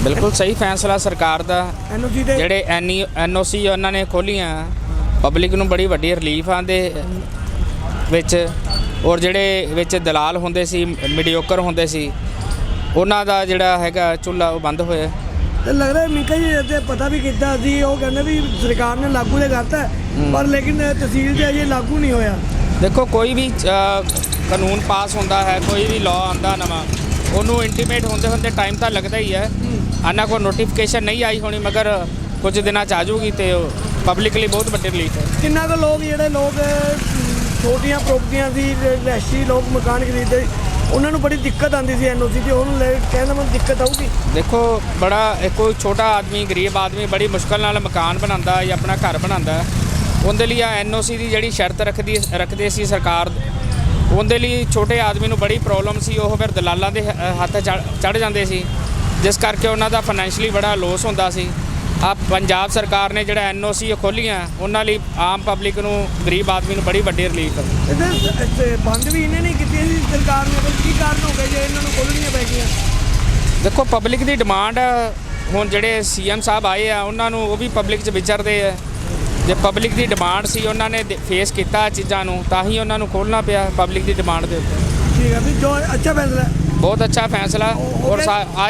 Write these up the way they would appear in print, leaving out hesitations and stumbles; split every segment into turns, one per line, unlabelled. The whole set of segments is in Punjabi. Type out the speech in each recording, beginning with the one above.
बिल्कुल सही फैसला सरकार दा।
एनओसी ਦੇ
ਜਿਹੜੇ NOC ਉਹਨਾਂ ਨੇ ਖੋਲੀਆਂ ਪਬਲਿਕ ਨੂੰ ਬੜੀ ਵੱਡੀ ਰਿਲੀਫ ਆਂਦੇ ਵਿੱਚ। ਔਰ ਜਿਹੜੇ ਵਿੱਚ ਦਲਾਲ ਹੁੰਦੇ ਸੀ, ਮੀਡੀਓਕਰ ਹੁੰਦੇ ਸੀ, ਉਹਨਾਂ ਦਾ ਜਿਹੜਾ ਹੈਗਾ ਚੁੱਲ੍ਹਾ ਉਹ ਬੰਦ ਹੋਇਆ।
ਤੇ ਲੱਗਦਾ ਮਿੰਕਾ ਜੀ ਤੇ ਪਤਾ ਵੀ ਕੀਤਾ ਸੀ, ਉਹ ਕਹਿੰਦੇ ਵੀ ਸਰਕਾਰ ਨੇ ਲਾਗੂ ਤੇ ਕਰਤਾ ਪਰ ਲੇਕਿਨ ਤਹਿਸੀਲ 'ਚ ਅਜੇ ਲਾਗੂ ਨਹੀਂ ਹੋਇਆ।
ਦੇਖੋ ਕੋਈ ਵੀ ਕਾਨੂੰਨ ਪਾਸ ਹੁੰਦਾ ਹੈ, ਕੋਈ ਵੀ ਲਾਅ ਆਉਂਦਾ ਨਵਾਂ, ਉਹਨੂੰ ਇੰਟੀਮੇਟ ਹੁੰਦੇ ਟਾਈਮ ਤਾਂ ਲੱਗਦਾ ਹੀ ਹੈ। ਇਹਨਾਂ ਕੋਲ ਨੋਟੀਫਿਕੇਸ਼ਨ ਨਹੀਂ ਆਈ ਹੋਣੀ, ਮਗਰ ਕੁਝ ਦਿਨਾਂ 'ਚ ਆ ਜਾਊਗੀ ਤੇ ਪਬਲਿਕ ਲਈ ਬਹੁਤ ਵੱਡੀ ਰਿਲੀਫ ਹੈ।
ਕਿੰਨਾ ਕੁ ਲੋਕ ਜਿਹੜੇ ਲੋਕ ਛੋਟੀਆਂ ਪ੍ਰੋਪਰਟੀਆਂ ਦੀ ਰਿਹਾਇਸ਼ੀ ਲੋਕ ਮਕਾਨ ਖਰੀਦਦੇ, ਉਹਨਾਂ ਨੂੰ ਬੜੀ ਦਿੱਕਤ ਆਉਂਦੀ ਸੀ ਐਨਓਸੀ ਦੀ, ਉਹਨੂੰ ਲੈ ਕਹਿੰਦਾ ਮੈਨੂੰ ਦਿੱਕਤ ਆਊਗੀ।
ਦੇਖੋ ਬੜਾ ਕੋਈ ਛੋਟਾ ਆਦਮੀ, ਗਰੀਬ ਆਦਮੀ ਬੜੀ ਮੁਸ਼ਕਲ ਨਾਲ ਮਕਾਨ ਬਣਾਉਂਦਾ ਜਾਂ ਆਪਣਾ ਘਰ ਬਣਾਉਂਦਾ, ਉਹਦੇ ਲਈ NOC ਦੀ ਜਿਹੜੀ ਸ਼ਰਤ ਰੱਖਦੇ ਸੀ ਸਰਕਾਰ, ਉਹਦੇ ਲਈ ਛੋਟੇ ਆਦਮੀ ਨੂੰ ਬੜੀ ਪ੍ਰੋਬਲਮ ਸੀ। ਉਹ ਫਿਰ ਦਲਾਲਾਂ ਦੇ ਹੱਥ ਚੜ੍ਹ ਜਾਂਦੇ ਸੀ, ਜਿਸ ਕਰਕੇ ਉਹਨਾਂ ਦਾ ਫਾਈਨੈਂਸ਼ਲੀ ਬੜਾ ਲੋਸ ਹੁੰਦਾ ਸੀ। ਆ ਪੰਜਾਬ ਸਰਕਾਰ ਨੇ ਜਿਹੜਾ NOC ਖੋਲ੍ਹੀਆਂ, ਉਹਨਾਂ ਲਈ ਆਮ ਪਬਲਿਕ ਨੂੰ, ਗਰੀਬ ਆਦਮੀ ਨੂੰ ਬੜੀ ਵੱਡੀ ਰਿਲੀਫ ਹੈ।
ਇਹਦੇ ਬੰਦ ਵੀ ਇਹਨੇ ਨਹੀਂ ਕੀਤੀ ਸੀ ਸਰਕਾਰ ਨੇ, ਕੀ ਕਾਰਨ ਹੋ ਗਏ ਜੇ ਇਹਨਾਂ ਨੂੰ ਖੋਲ੍ਹਣੀਆਂ ਪੈ ਗਈਆਂ?
ਦੇਖੋ ਪਬਲਿਕ ਦੀ ਡਿਮਾਂਡ, ਹੁਣ ਜਿਹੜੇ CM ਸਾਹਿਬ ਆਏ ਆ ਉਹਨਾਂ ਨੂੰ, ਉਹ ਵੀ ਪਬਲਿਕ 'ਚ ਵਿਚਰਦੇ ਆ। ਜੇ ਪਬਲਿਕ ਦੀ ਡਿਮਾਂਡ ਸੀ, ਉਹਨਾਂ ਨੇ ਫੇਸ ਕੀਤਾ ਚੀਜ਼ਾਂ ਨੂੰ, ਤਾਂ ਹੀ ਉਹਨਾਂ ਨੂੰ ਖੋਲ੍ਹਣਾ ਪਿਆ ਪਬਲਿਕ ਦੀ ਡਿਮਾਂਡ ਦੇ ਉੱਤੇ।
ਠੀਕ ਹੈ ਵੀ ਜੋ ਅੱਛਾ ਫੈਸਲਾ,
ਬਹੁਤ ਅੱਛਾ ਫੈਸਲਾ, ਔਰ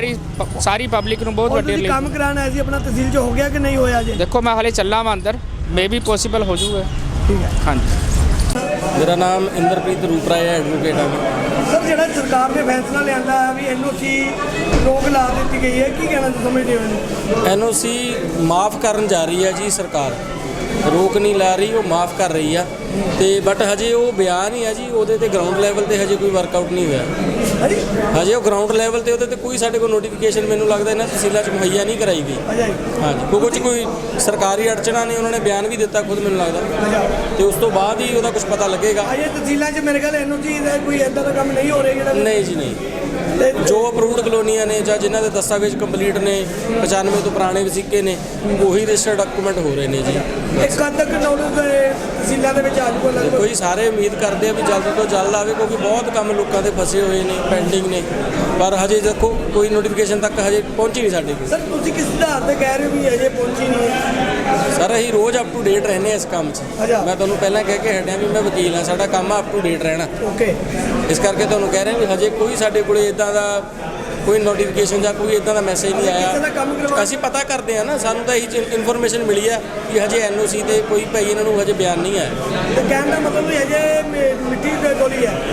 ਸਾਰੀ ਪਬਲਿਕ ਨੂੰ ਬਹੁਤ ਵੱਡੀ
ਕੰਮ ਕਰਾਉਣਾ ਸੀ ਆਪਣਾ ਤਹਿਸੀਲ 'ਚ, ਹੋ ਗਿਆ ਕਿ ਨਹੀਂ ਹੋਇਆ ਜੇ?
ਦੇਖੋ ਮੈਂ ਹਾਲੇ ਚੱਲਾਂ ਵਾਂ ਅੰਦਰ, ਮੇ ਵੀ ਪੋਸੀਬਲ ਹੋ ਜਾਊਗਾ।
ਠੀਕ ਹੈ,
ਹਾਂਜੀ।
ਮੇਰਾ ਨਾਮ ਇੰਦਰਪ੍ਰੀਤ ਰੂਪਰਾਏ ਹੈ, ਐਡਵੋਕੇਟ ਹਾਂ।
ਸਰ ਜਿਹੜਾ ਸਰਕਾਰ ਨੇ ਫੈਸਲਾ ਲਿਆਂਦਾ ਹੈ ਵੀ NOC ਰੋਕ ਲਾ ਦਿੱਤੀ ਗਈ ਹੈ, ਕੀ ਕਹਿਣਾ ਸਮਝਦੇ ਹੋ ਇਹਨੂੰ?
NOC ਮਾਫ ਕਰਨ ਜਾ ਰਹੀ ਹੈ ਜੀ ਸਰਕਾਰ, ਰੋਕ ਨਹੀਂ ਲਾ ਰਹੀ, ਉਹ ਮਾਫ ਕਰ ਰਹੀ ਆ। ਤੇ ਬਟ ਹਜੇ ਉਹ ਬਿਆਨ ਹੀ ਆ ਜੀ, ਉਹਦੇ ਤੇ ਗਰਾਊਂਡ ਲੈਵਲ ਤੇ ਹਜੇ ਕੋਈ ਵਰਕਆਊਟ ਨਹੀਂ ਹੋਇਆ। ਹਜੇ ਉਹ ਗਰਾਊਂਡ ਲੈਵਲ ਤੇ ਉਹਦੇ ਤੇ ਕੋਈ ਸਾਡੇ ਕੋਲ ਨੋਟੀਫਿਕੇਸ਼ਨ ਮੈਨੂੰ ਲੱਗਦਾ ਇਹਨਾਂ ਤਹਿਸੀਲਾਂ 'ਚ ਮੁਹੱਈਆ ਨਹੀਂ ਕਰਾਈ ਗਈ। ਹਾਂਜੀ, ਕੁਝ ਕੋਈ ਸਰਕਾਰੀ ਅੜਚਣਾ ਨੇ, ਉਹਨਾਂ ਨੇ ਬਿਆਨ ਵੀ ਦਿੱਤਾ ਖੁਦ ਮੈਨੂੰ ਲੱਗਦਾ, ਤੇ ਉਸ ਤੋਂ ਬਾਅਦ ਹੀ ਉਹਦਾ ਕੁਝ ਪਤਾ ਲੱਗੇਗਾ।
ਅਜੇ ਤਹਿਸੀਲਾਂ 'ਚ ਮੇਰੇ ਖਿਆਲ NOC ਦਾ ਕੋਈ ਇੱਦਾਂ ਦਾ ਕੰਮ ਨਹੀਂ ਹੋ ਰਿਹਾ ਜਿਹੜਾ?
ਨਹੀਂ ਜੀ ਨਹੀਂ, ਜੋ ਅਪਰੂਵਡ ਕਲੋਨੀਆਂ ਨੇ ਜਾਂ ਜਿਨ੍ਹਾਂ ਦੇ ਦਸਤਾਵੇਜ਼ ਕੰਪਲੀਟ ਨੇ, 95 ਤੋਂ ਪੁਰਾਣੇ ਵਸੀਕੇ ਨੇ, ਉਹੀ ਰਜਿਸਟਰਡ ਡਾਕੂਮੈਂਟ ਹੋ ਰਹੇ ਨੇ ਜੀ।
ਕਦ ਤੱਕ ਨੌਲੇਜ ਤਹਿਸੀਲਾਂ ਦੇ ਵਿੱਚ ਆ ਜਾਊਗਾ?
ਕੋਈ ਸਾਰੇ ਉਮੀਦ ਕਰਦੇ ਆ ਵੀ ਜਲਦ ਤੋਂ ਜਲਦ ਆਵੇ, ਕਿਉਂਕਿ ਬਹੁਤ ਕੰਮ ਲੋਕਾਂ ਦੇ ਫਸੇ ਹੋਏ ਨੇ, ਪੈਂਡਿੰਗ ਨੇ, ਪਰ ਹਜੇ ਦੇਖੋ ਕੋਈ ਨੋਟੀਫਿਕੇਸ਼ਨ ਤੱਕ ਹਜੇ ਪਹੁੰਚੀ ਨਹੀਂ ਸਾਡੇ ਕੋਲ।
ਸਰ ਤੁਸੀਂ ਕਿਸ ਆਧਾਰ ਤੇ ਕਹਿ ਰਹੇ ਹੋ ਵੀ ਅਜੇ ਪਹੁੰਚੀ ਨਹੀਂ?
ਸਰ ਅਸੀਂ ਰੋਜ਼ ਅਪ ਟੂ ਡੇਟ ਰਹਿੰਦੇ ਇਸ ਕੰਮ 'ਚ। ਮੈਂ ਤੁਹਾਨੂੰ ਪਹਿਲਾਂ ਕਹਿ ਕੇ ਹਟਿਆ ਵੀ ਮੈਂ ਵਕੀਲ ਹਾਂ, ਸਾਡਾ ਕੰਮ ਆ ਅਪ ਟੂ ਡੇਟ ਰਹਿਣਾ।
ਓਕੇ,
ਇਸ ਕਰਕੇ ਤੁਹਾਨੂੰ ਕਹਿ ਰਹੇ ਵੀ ਹਜੇ ਕੋਈ ਸਾਡੇ ਕੋਲੇ ਇਦਾਂ ਦਾ ਕੋਈ ਨੋਟੀਫਿਕੇਸ਼ਨ ਜਾਂ ਕੋਈ ਇਦਾਂ ਦਾ ਮੈਸੇਜ ਨਹੀਂ ਆਇਆ। ਅਸੀਂ ਪਤਾ ਕਰਦੇ ਆ ਨਾ, ਸਾਨੂੰ ਤਾਂ ਇਹੀ ਇਨਫੋਰਮੇਸ਼ਨ ਮਿਲੀ ਆ ਕਿ ਹਜੇ NOC ਤੇ ਕੋਈ ਭਾਈ ਇਹਨਾਂ ਨੂੰ ਹਜੇ ਬਿਆਨ ਨਹੀਂ ਆਇਆ।
ਤੇ ਕਹਿਣ ਦਾ ਮਤਲਬ ਵੀ ਹਜੇ ਮਿੱਟੀ ਤੇ ਗੋਲੀ ਹੈ,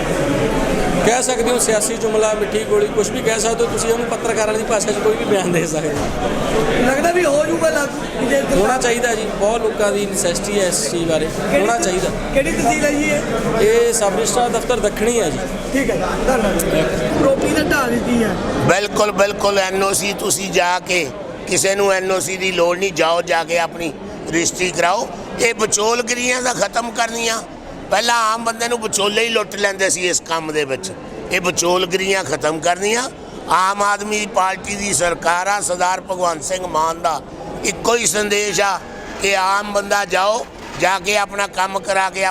ਕਹਿ ਸਕਦੇ ਹੋ ਸਿਆਸੀ ਜੁਮਲਾ, ਮਿੱਠੀ ਗੋਲੀ, ਕੁਝ ਵੀ ਕਹਿ ਸਕਦੇ ਹੋ ਤੁਸੀਂ ਉਹਨੂੰ। ਪੱਤਰਕਾਰਾਂ ਦੀ ਭਾਸ਼ਾ 'ਚ ਕੋਈ ਵੀ ਬਿਆਨ ਦੇ ਸਕਦੇ ਹੋ।
ਲੱਗਦਾ ਵੀ ਹੋ ਜਾਊਗਾ ਲਾਗੂ?
ਹੋਣਾ ਚਾਹੀਦਾ ਜੀ, ਬਹੁਤ ਲੋਕਾਂ ਦੀ ਨੈਸੈਸਿਟੀ ਹੈ ਇਸ ਚੀਜ਼ ਬਾਰੇ, ਹੋਣਾ ਚਾਹੀਦਾ।
ਕਿਹੜੀ ਤਹਿਸੀਲ ਹੈ ਜੀ
ਇਹ ਸਬ ਰਜਿਸਟਰਾਰ ਦਫ਼ਤਰ ਦੱਖਣੀ ਹੈ ਜੀ।
ਠੀਕ ਹੈ, ਧੰਨਵਾਦ। ਪ੍ਰੋਪਰਟੀ ਦਾ ਢਾਹ ਦਿੱਤੀ ਹੈ।
ਬਿਲਕੁਲ NOC ਤੁਸੀਂ ਜਾ ਕੇ, ਕਿਸੇ ਨੂੰ NOC ਦੀ ਲੋੜ ਨਹੀਂ, ਜਾਓ ਜਾ ਕੇ ਆਪਣੀ ਰਜਿਸਟਰੀ ਕਰਾਓ। ਇਹ ਵਿਚੋਲਗਿਰੀਆਂ ਦਾ ਖਤਮ ਕਰਨੀਆਂ, ਪਹਿਲਾਂ ਆਮ ਬੰਦੇ ਨੂੰ ਵਿਚੋਲੇ ਹੀ ਲੁੱਟ ਲੈਂਦੇ ਸੀ ਇਸ ਕੰਮ ਦੇ ਵਿੱਚ, ਇਹ ਵਿਚੋਲਗਿਰੀਆਂ ਖਤਮ ਕਰਨੀਆਂ। ਆਮ ਆਦਮੀ ਪਾਰਟੀ ਦੀ ਸਰਕਾਰ ਆ, ਸਰਦਾਰ ਭਗਵੰਤ ਸਿੰਘ ਮਾਨ ਦਾ ਇੱਕੋ ਹੀ ਸੰਦੇਸ਼ ਆ ਕਿ ਆਮ ਬੰਦਾ ਜਾਓ, ਜਾ ਕੇ ਆਪਣਾ ਕੰਮ ਕਰਾ ਕੇ